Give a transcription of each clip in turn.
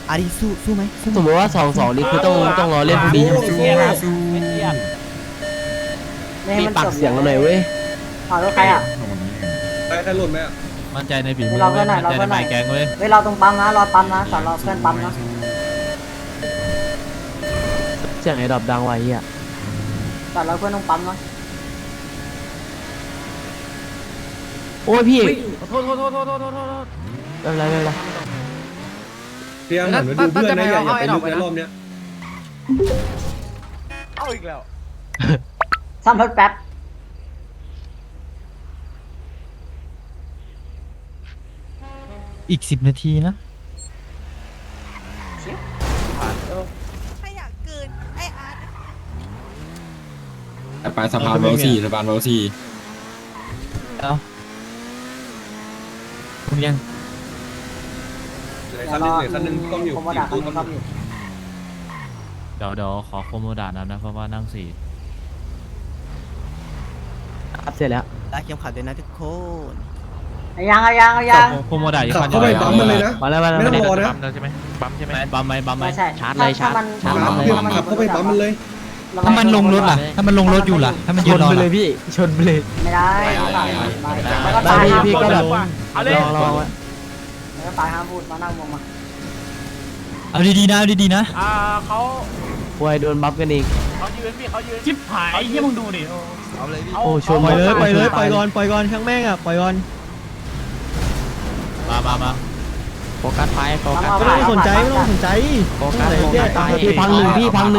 อาดิสู้ไหมสมมติว่า2-2นี่คือต้องรอเล่นพรุ่งนี้มีปากเสียงกันหน่อยเว้ยขอรถใครอ่ะใครหล่นไหมอ่ะมั่นใจในฝีมือมั่นใจในไม้แกงเว้ยเฮ้ยเราตรงปั๊มนะรอปั๊มนะสอนรอเพื่อนปั๊มนะเสียงไอ้ดอกดังไว้อ่ะสอนรอเพื่อนตรงปั๊มนะโอ้ยพี่โทษไม่เป็นไรไม่เป็นไรพยายามหันมาดูเพื่อนนะอย่าไปลึกในรอบเนี้ยเอาอีกแล้วซ่อมรถแป๊บอีก10 นาทีนะใครอยากเกินไออาร์ตไปสะพานเวลสี่สะพานเวลสี่แล้วคุณยังคันนึงคันนึงต้องอยู่ผมมาด่าคันนึงซ่อมอยู่เดี๋ยวขอโคโมดานะเพราะว่านั่ง4 ครับเสร็จแล้วรัดเข็มขัดด้วยนะทุกคนเอายังโคโมดาอีกขับคันเข้าไปปั๊มมันเลยนะมาแล้วไม่ต้องรอนะใช่ไหมปั๊มใช่ไหมปั๊มไหมไม่ใช่ชาร์จเลยชาร์จขับเข้าไปปั๊มมันเลยถ้ามันลงรถล่ะถ้ามันลงรถอยู่ล่ะถ้ามันชยืนนรอไปเลล่ะยพี่ชนไปเลยไม่ได้แล้วก็ตายพี่ก็แบบรอแล้วก็ตายห้ามพูดมานั่งวงมาเอาดีๆนะเอาดีๆนะป่วยโดนบัฟกันเองจิ๊บหายยี่มึงดูดิโอ้ชนปล่อยก่อนช่างแม่งอ่ะปล่อยก่อนมาโฟกัสไฟโฟกัสไม่ต้องสนใจโฟกัสพี่พังหนึ่ง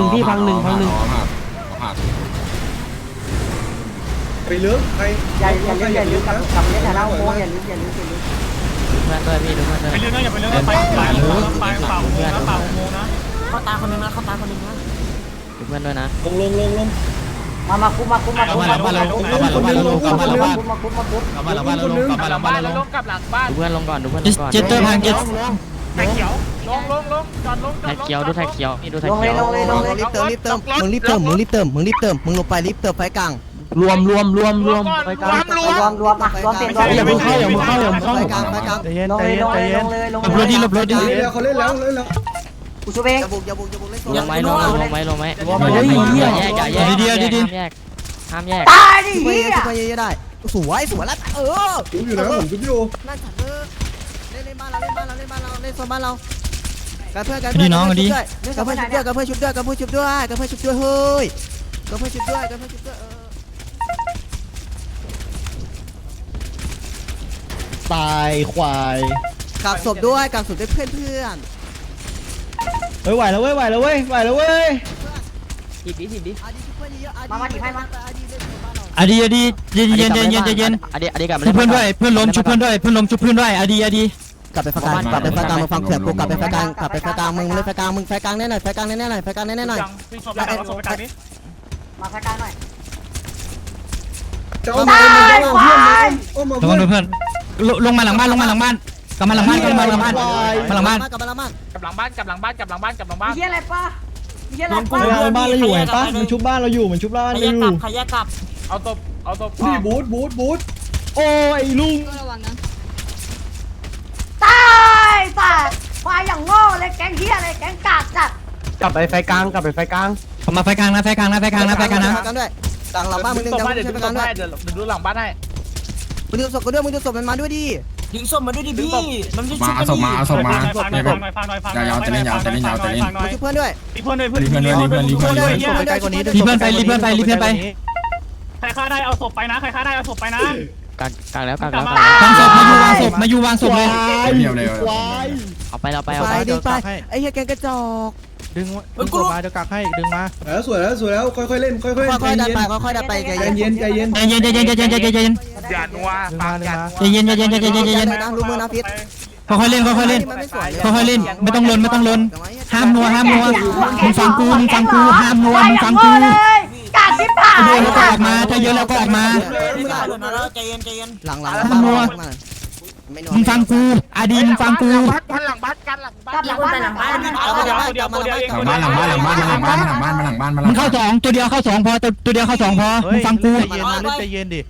ไปลึกใครอย่าลืมกับเล่นแต่ละโค้งอย่าลืมดูเพื่อนด้วยพี่ดูเพื่อนด้วยไปเรื่องนั้นอย่าไปเรื่องนั้นไปเป่าโมงนะเข้าตาคนนึงนะดูเพื่อนด้วยนะลงมาคุมกลับมาหลังบ้านแล้วกลับมาหลังบ้านแล้วกลับมาหลังบ้านมาคุมกลับมาหลังบ้านแล้วกลับมาหลังบ้านแล้วดูเพื่อนลงก่อนดูเพื่อนลงก่อนเจตเตอร์พังเจตแท็กเขียวดูแท็กเขียวนี่ดูแท็กลงเลเขียยวรีบเติมมึงรีบเติมมึงลงไปรีบเติมไฟกลางรวมไปกลางรวมเต็มอย่าเพิ่งเข้าไฟกลางใจเย็นลงใจเลยเย็นลใจงเย็นเลยหลบรถดิหลบรถดิเขาเล่นแล้วกูชูเองอย่าบุกเล่นยังไม่ลงไหมเฮ้ยแยกห้ามแยกตายดิช่วยเฮียช่วยเยอะได้สวยแล้วจุ๊บอยู่นะผมจุ๊บอยู่นั่นฉันเล่นบ้านเราเล่นโซนบ้านเรากับเพื่อนชุบด้วยเฮ้ยตายควายกับศพด้วยเพื่อนเฮ้ยไหวแล้วเว้ยถีบดิมาถีบให้มาอดีเย็นอดีกลับชุบเพื่อนด้วยเพื่อนล้มชุบเพื่อนด้วยชุบเพื่อนด้วยอดีกลับไปไฟกลางมึงฟังเขื่อนกูกลับไปไฟกลางมึงเล่นไฟกลางมึงไฟกลางแน่หน่อยมาแค่กลางหน่อยจะเอามาเพื่อนระวังเพื่อนลงมาหลังบ้านกลับมาหลังบ้านกลับมาหลังบ้านเฮียอะไรป้าเฮียอะไรป้าบ้านเราอยู่เห็นปะมันชุบบ้านเราอยู่นี่บูทโอ้ยลุงตายสัตว์ควายอย่างโง่เลยแก๊งเฮียอะไรแก๊งกากจัดกลับไปไฟกลางผมมาไฟกลางนะไฟกลางนะด้วยกลางหลังบ้านมึงดึงศพให้เดี๋ยวดูหลังบ้านให้มึงดึงศพก็ด้วยมึงดึงศพมันมาด้วยดิดึงศพมาด้วยดิพี่มันไม่ชุบกันดิเอาศพมาอย่าจะเล่นมึงชุบเพื่อนด้วยรีเพื่อนไปไกลกว่านี้รีเพื่อนไปใครฆ่าได้เอาศพไปนะกลางแล้ววางศพมาอยู่วางศพเลยเดียวเลยควายเอาไปไปไอ้เหี้ยแกงกระจอกดึงตัวมาเดี๋ยวกักให้ดึงมาสวยแล้วค่อยๆเล่นค่อยๆดันไปใจเย็นใจเย็นอย่านัวใจเย็นรู้มือนะพิษค่อยๆเล่นไม่ต้องลนห้ามนัวมึงฟังกูห้ามนัวมึงฟังกูกาดที่ผ่านเยอะแล้วก็ออกมาถ้าเยอะแล้วก็ออกมาหลังมึงฟังกูอดีมึงฟังกูกลับหลังบ้านมึงเข้าสองตัวเดียวเข้าสองพอตัวเดียวเข้าสองพอมึงฟังกูใจเย็นดิ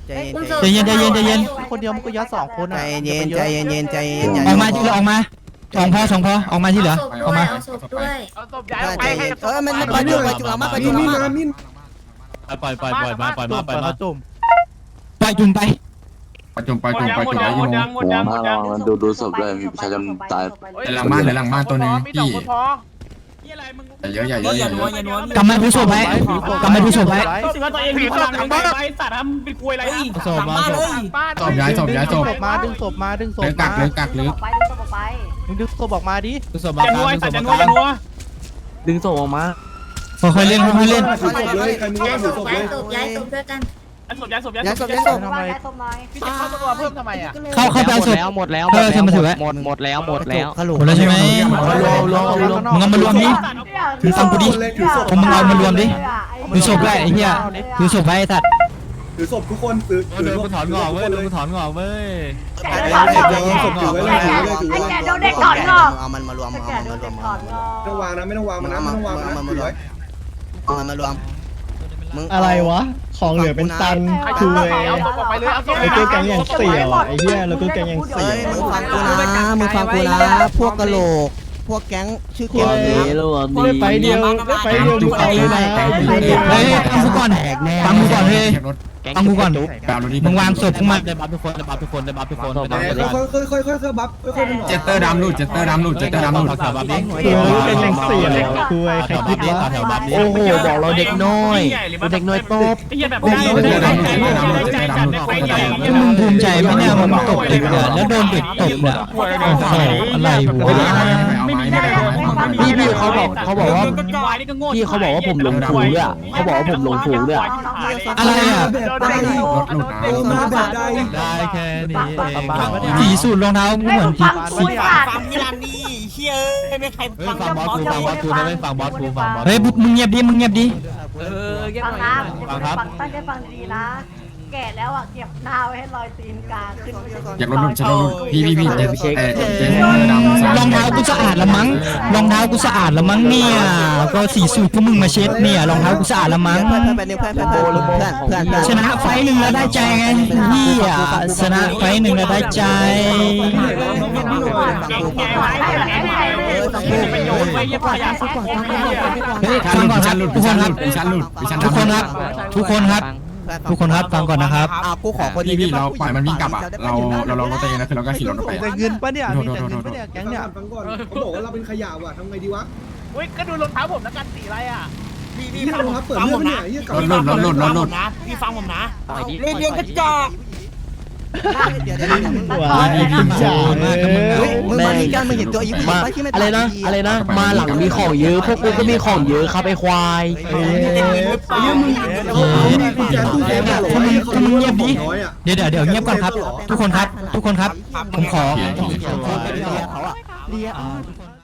ใจเย็นคนเดียวมันก็ยัด2 คนใจเย็นออกมาทีละออกมาใจสองพอออกมาที่เหลือออกมาเอาศพด้วยเอาศพย้ายออกไปให้มันปล่อยจุกปล่อยจุกเรามาปล่อยจุกเรามามินปล่อยมาปล่อยมาปล่อยมาจุ่มปล่อยจุ่มไปไปจุ่มไปจุ่มไปจุ่มไปยิงหมดยังดูศพเลยมีประชาชนตายหลังบ้านหรือหลังบ้านตัวนึงมีสองพี่คนพอเยอะใหญ่เยอะใหญ่เยอะกำมาดูศพไว้กำมาดูศพไว้สิว่าตัวเองมีพลังไปสัตว์ทำเป็นกลวยอะไรนะศพมาศพศพย้ายศพย้ายศพมาดึงศพมาดึงศพเลือกกักเลือกกักเลือกไปดูศพไปมึงดึงศพออกมาดิดึงศพจะนัวสัตว์จะนัวจะนัวดึงศพออกมาค่อยๆเล่นค่อยๆเล่นถือศพเลยใครมึงว่าถือศพเลยย้ายศพด้วยกันย้ายศพย้ายศพทำไมศพหน่อยพี่จะเข้าตัวเพิ่มทำไมอ่ะเข้าไปเอาศพหมดแล้วเธอมาถือไว้หมดแล้วใช่ไหมมึงเอามารวมดิถือฟังกูดิถือศพมึงเอามารวมดิถือศพไว้ไอ้เหี้ยถือศพไว้ไอ้สัตว์ถือศพทุกคนถือเดินกูถอนงอกเว้ยเดินกูถอนงอกเว้ยไอ้แกโดนเด็กก่อนงอกเอามันมารวมไอ้เอาแกมันโดมาน รวเด็มกก่อนงอกไม่ต้องวางนะไม่ต้องวางมันนะไม่ต้องวางมันนะถือไว้เอามันมารวมมึงอะไรวะของเหลือเป็นตันคือเอาศพออกไปเลยเอาศพไอ้ตัวแกงอย่างเสี่ยวไอ้เหี้ยแล้วก็แกงอย่างเฮ้เสี่ยยว มึงฟังกูนะพวกกะโหลกพวกแก๊งชื่อแก๊งนี้ได้ไปเดียวมึงเอาเลยนะเฮ้ยฟังกูก่อนฟังกูก่อนเฮ้ยเก็บรถฟังกูก่อนแปลรถที่มึงวางศพมึงมาได้บัฟทุกคนได้บัฟทุกคนได้บัฟทุกคนได้บัฟทุกคนค่อยบัฟค่อยเจตเตอร์ดำรูดเจตเตอร์ดำรูดเจตเตอร์ดำรูดแถวบัฟนี้คือเป็นอย่างเสี่ยวคุยใครคิดวะแถวบัฟนี้โอ้โหบอกเราเด็กน้อยเด็กน้อยตบไอ้เหี้ยแบบได้มึงภูมิใจไหมเนี่ยมึงตบเด็กเนี่ยแล้วโดนเด็กตบเนี่ยโอ้โหอะไรวะพี่เขาบอกว่า พี่เขาบอกว่าผมลงทุนด้วยเขาบอกว่าผมลงทุนด้วยอะไรอ่ะรถหลุดนะมาแบบใดได้แค่นี้เองสีสูตรรองเท้าเหมือนพี่ฟังมิลานนี่เชี่ยไม่ใครเฮ้ยฟังบอสกูฟังบอสกูได้ไหมฟังบอสกูฟังบอสเฮ้ยมึงเงียบดิมึงเงียบดิฟังนะตั้งใจฟังดีๆนะ แก่แล้วอ่ะเก็บหน้าไว้ให้รอยตีนกาขึ้นอยากรถหลุดจะรถหลุดพี่เจตเจตเตอร์ดำรองเท้ากูสะอาดละมั้งรองเท้ากูสะอาดละมั้งเนี่ยก็สีสูตรพวกมึงมาเช็ดเนี่ยรองเท้ากูสะอาดละมั้งเพื่อนชนะไฟหนึ่งแล้วได้ใจไงพี่อ่ะชนะไฟหนึ่งแล้วได้ใจเป็นโยนไว้ยับขยะสักคนเฮ้ยฟังก่อนครับทุกคนครับวิชันหลุดทุกคนครับทุกคนครับทุกคนครับฟังก่อนนะครับกูขอคนพี่เราปล่อยมันวิ่งกลับอ่ะเราลองรถตัวเองนะคือเราก็ขี่รถไปแต่เงินปะเนี่ยมีแต่เงินปะเนี่ยแก๊งเนี่ยฟังก่อนเขาบอกว่าเราเป็นขยะว่ะทำไงดีวะเฮ้ยก็ดูรองเท้าผมแล้วกันสีอะไรอ่ะนี่เราครับเปิดเรื่องเนี่ยยี่กับรถหลุดนะพี่ฟังผมนะเรียนกระจอกเดี๋ยวว้ายพี่จ๋ามึงมาดีกันมึงเห็นตัวอีกอะไรนะมาหลังมีของเยอะพวกกูก็มีของเยอะครับไอ้ควายกุญแจตู้เซฟเนี่ยหรอคุณเงียบดิน้อยอ่ะเดี๋ยวเงียบก่อนครับ ทุกคนครับ ผมขอเขาอ่ะเรีย